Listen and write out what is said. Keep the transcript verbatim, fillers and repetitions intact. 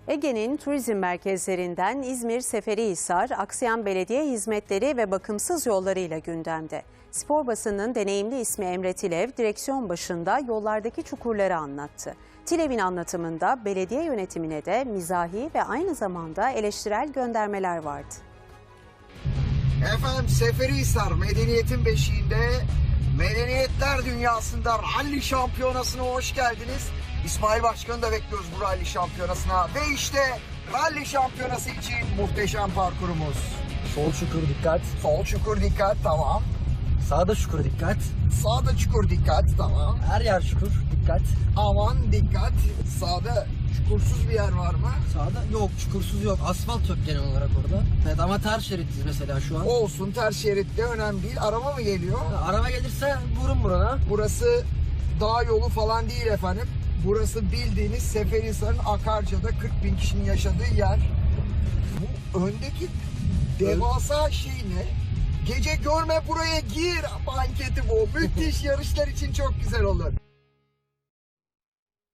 Ege'nin turizm merkezlerinden İzmir Seferihisar, aksayan belediye hizmetleri ve bakımsız yollarıyla gündemde. Spor basının deneyimli ismi Emre Tilev, direksiyon başında yollardaki çukurları anlattı. Tilev'in anlatımında belediye yönetimine de mizahi ve aynı zamanda eleştirel göndermeler vardı. Efendim Seferihisar medeniyetin beşiğinde, medeniyetler dünyasında ralli şampiyonasına hoş geldiniz. İsmail Başkan'ı da bekliyoruz bu ralli şampiyonasına. Ve işte ralli şampiyonası için muhteşem parkurumuz. Sol çukur dikkat. Sol çukur dikkat, tamam. Sağda çukur dikkat. Sağda çukur dikkat, tamam. Her yer çukur dikkat. Aman dikkat. Sağda çukursuz bir yer var mı? Sağda yok, çukursuz yok. Asfalt yok genel olarak orada. Evet ama ters şerittiz mesela şu an. Olsun, ters şeritte önemli değil. Araba mı geliyor? Araba gelirse vurun burana. Burası dağ yolu falan değil efendim. Burası bildiğiniz Seferihisar'ın Akarca'da kırk bin kişinin yaşadığı yer. Bu öndeki devasa şey ne? Gece görme buraya gir anketi bu. Müthiş, yarışlar için çok güzel olur.